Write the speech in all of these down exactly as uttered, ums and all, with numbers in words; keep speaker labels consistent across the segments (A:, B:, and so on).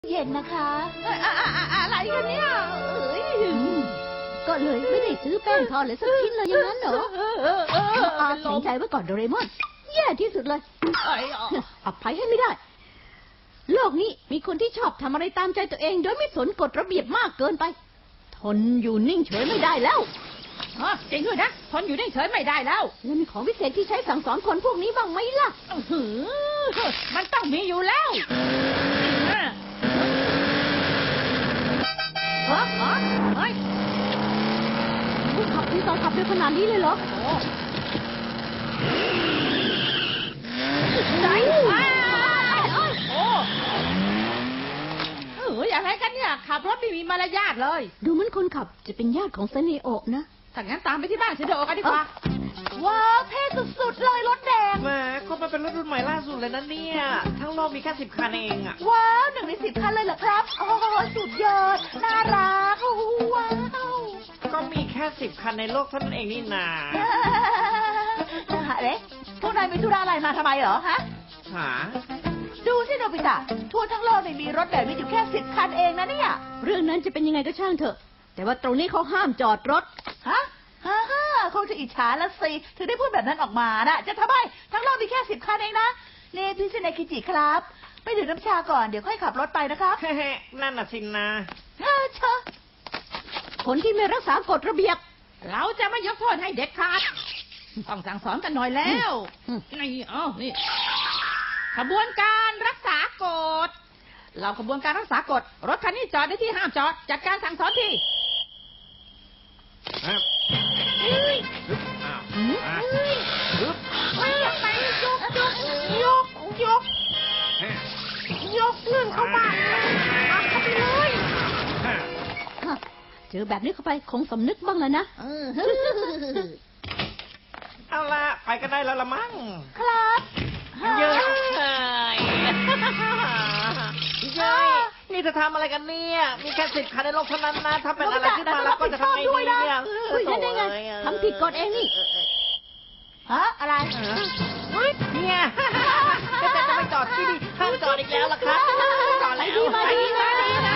A: เย็นนะคะอะไรกันเนี่ยก็เลยไม่ได้ซื้อแป้งทอดเลยสักชิ้นเลยอย่างนั้นเหรออาแข็งใจไว้ก่อนโดเรมอนแย่ที่สุดเลยอภัยให้ไม่ได้โลกนี้มีคนที่ชอบทำอะไรตามใจตัวเองโดยไม่สนกฎระเบียบมากเกินไปทนอยู่นิ่งเฉยไม่ได้แล้ว
B: อ๋อจริงด้วยนะทนอยู่นิ่งเฉยไม่ได้แล้ว
A: แล้วมีของพิเศษที่ใช้สั่งสอนคนพวกนี้บ้างไหมล่ะ
B: มันต้องมีอยู่แล้ว
A: ฮะฮะเฮ้ยผู้ขับที่ตอนขับเร็วขนาดนี้เลยเหรอ
B: ไหนโอ้เอออะไรกันเนี่ยขับรถไม่มีมารยาทเลย
A: ดูเหมือนคนขับจะเป็นญาติของเซเนโอะนะ
B: ถ้างั้นตามไปที่บ้านเซเนโอะกันดีกว่า
A: ว้าวเท่สุดๆเลยรถแดง
C: แหมก็มันเป็นรถรุ่นใหม่ล่าสุดเลยนะเนี่ยทั้งโลกมีแค่สิบคันเองอะ
A: ว้าวหนึ่งในสิบคันเลยเหรอครับโอ้สุดยอดน่ารักว้าว
C: ก็มีแค่สิบคันในโลกเท่านั้นเองนี่นา
A: เอ๊ะพวกนายมีธุระอะไรมาทำไมเหรอฮะ
C: หา
A: ดูสิโนบิตะทั่วทั้งโลกไม่มีรถแบบนี้อยู่แค่สิบคันเองนะเนี่ยเรื่องนั้นจะเป็นยังไงก็ช่างเถอะแต่ว่าตรงนี้เขาห้ามจอดรถฮะฮ่าฮ่าคงจะอิจฉาละสิถึงได้พูดแบบนั้นออกมานะจะทำไมทั้งโลกมีแค่สิบคันเองนะนี่พี่เซเนคิจิครับไปดื่มน้ำชาก่อนเดี๋ยวค่อยขับรถไปนะครับ
C: เฮ้นั่นน่ะสินะ
A: เออเชอะคนที่ไม่รักษากฎระเบียบ
B: เราจะไม่ยกโทษให้เด็ดขาดต้องสั่งสอนกันหน่อยแล้วนี่อ๋อนี่ขบวนการรักษากฎเราขบวนการรักษากฎรถคันนี้จอดในที่ห้ามจอดจัดการสั่งสอนที
A: ไปยกยกยกยกยกเรื่องเข้าบ้านเข้าไปเลยเจอแบบนี้เข้าไปคงสำนึกบ้างแล้วนะ
C: เอาละไปกันได้แล้วละมั้ง
A: ครับ
C: เยอะเลยเย้นี่จะทำอะไรกันเนี่ยมีแค่สิบคันในโลกเท่านั้นนะถ้าเป็นอะไรขึ้นมาแล้วก็จะทำไงดีเนี่ย
A: เฮ้ยได้ไงทำผิดกฎเองนี่ฮะอะไร
C: เนี่ยจะจะไปจอดที่นี่ห้ามจอดอีกแล้วล่ะครับจอดแล้ว
A: ไปดีมาดีนะ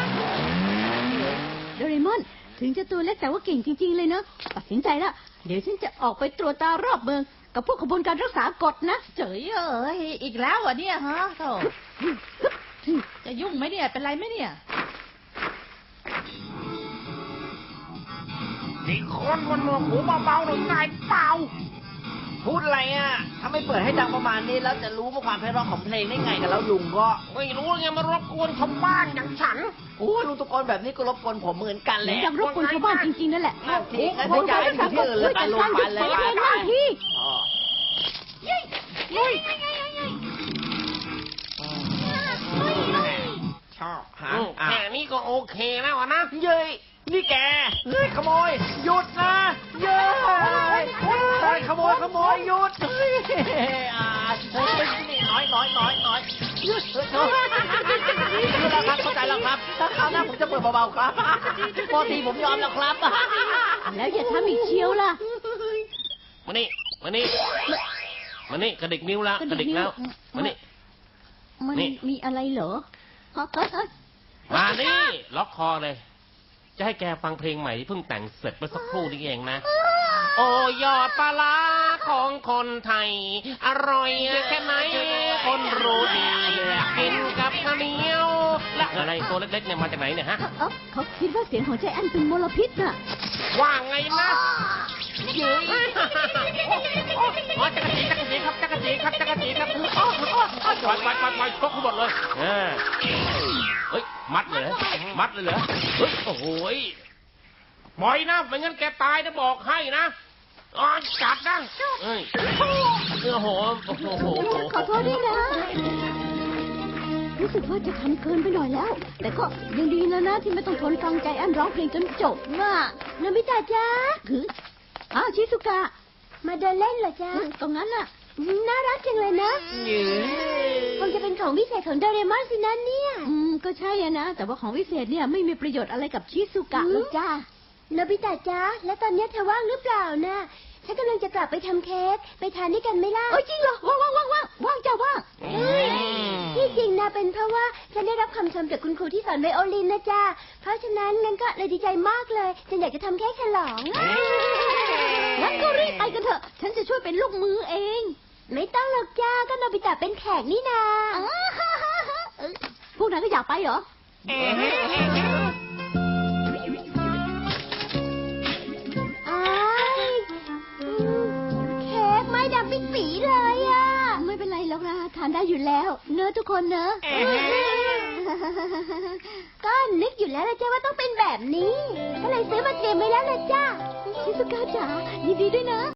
A: โดเรมอนถึงจะตัวเล็กแต่ว่าเก่งจริงๆเลยเนาะตัดสินใจแล้วเดี๋ยวฉันจะออกไปตรวจตารอบเมืองกับพวกขบวนการรักษากฎนะ
B: เจ๋ยเอ้ยอีกแล้วอ่ะเนี่ยฮะโธ่จะยุ่งไหมเนี่ยเป็นไรไหมเนี่ย
C: นี่คนบนหนวกหูเบาๆหน่อยไงเปล่าพูดอะไรอ่ะถ้าไม่เปิดให้ดังประมาณนี้แล้วจะรู้ว่าความไพเราะของเพลงได้ไงกันแล้วลุงก็ไม่รู้ไงมารบกวนชาวบ้านอย่างฉันโอ้ลุงตะโกนแบบนี้ก็รบกวนผมเหมือนกันแหละ
A: ยังรบกวนชาวบ้านจริงๆนั่นแหละ
C: นั่นทีงั้นจะย้ายไปที่อื่นเลยไปลงไปเลย
A: นั่นที่
C: ยิ่งยิ่งชอบฮะแค่นี้ก็โอเคแล้วนะเย้ยนี่แกเฮ้ยขโมยหยุดนะเย้ยขโมยขโมยหยุดเฮ้ยอ่านี่น้อยน้อยน้อยน้อยหยุดเฮ้ยคือแล้วครับเข้าใจแล้วครับถ้าคราวหน้าผมจะเปิดเบาๆครับพอทีผมยอมแล้วครับ
A: แล้วอย่าทำอีกเชียวล่ะ
D: มานี่มานี่มานี่กระดิกนิ้วแล้วกระดิกแล้วมานี่
A: มันมีอะไรเหรอ
D: มานี่ล็อกคอเลยจะให้แกฟังเพลงใหม่ที่เพิ่งแต่งเสร็จเมื่อสักครู่นี้เองนะโอ้ยอดปลาร้าของคนไทยอร่อยแค่ไหนคนรู้ดีกินกับข้าวเหนียวและอะไรตัวเล็กๆเนี่ยมาจากไหนเนี่ยฮะ
A: เขาคิดว่าเสียงของใจแอนเป็นมลพิษน่ะ
D: ว่าไงนะเย้ยอ๋อจักรจีจักรจีครับจักรจีครับจักรจีครับปล่อยปล่อยปล่อยปล่อยชกทั้งหมดเลยเฮ้ยมัดเลยมัดเลยเหรอเฮ้ยโอ้โหปล่อยนะไม่งั้นแกตายนะบอกให้นะอ๋อจัดนะเฮ้ยโอ้โหโอ้โห
A: ขอโทษด้วยนะรู้สึกว่าจะทำเกินไปหน่อยแล้วแต่ก็ยังดีแล้วนะที่ไม่ต้องทนฟังใจแอนร้องเพลงจนจบน่ะนามิตาจ้าคืออ้าวชิซุกะมาเดินเล่นเหรอจ๊ะตรงนั้นน่ะน่ารักจังเลยนะคงจะเป็นของวิเศษของโดเรมอนสินะเนี่ยอืมก็ใช่อะนะแต่ว่าของวิเศษเนี่ยไม่มีประโยชน์อะไรกับชิซุกะหรอกจ้านามิตาจ้าแล้วตอนนี้เธอว่างหรือเปล่านะฉันกำลังจะกลับไปทำเค้กไปทานด้วยกันไหมล่ะโอ้ยจริงเหรอว่างว่างว่างว่างว่างจ้าว่างที่จริงนะเป็นเพราะว่าฉันได้รับคำชมจากคุณครูที่สอนไวโอลินนะจ๊ะเพราะฉะนั้นงั้นก็เลยดีใจมากเลยฉันอยากจะทำแค่ฉลอง
B: งั้นก็รีบไปกันเถอะ ฉันจะช่วยเป็นลูกมือเอง
A: ไม่ต้องหรอกจ้าก็โนบิตะเป็นแขกนี่นา
B: พวกนั้นก็อยากไปเหรอ
A: อ้ายอืมเค้กไม้ดำปิ๊ดปีเลยอ่ะ
B: ไม่เป็นไรหรอกนะทานได้อยู่แล้ว เนื้อะทุกคนเนอะ
A: ก็นึกอยู่แล้วละจ้าว่าต้องเป็นแบบนี้ ก็เลยซื้อมาเตรียมไว้แล้วละจ้า
B: ชิซุกะจ๋ายินดีด้วยนะ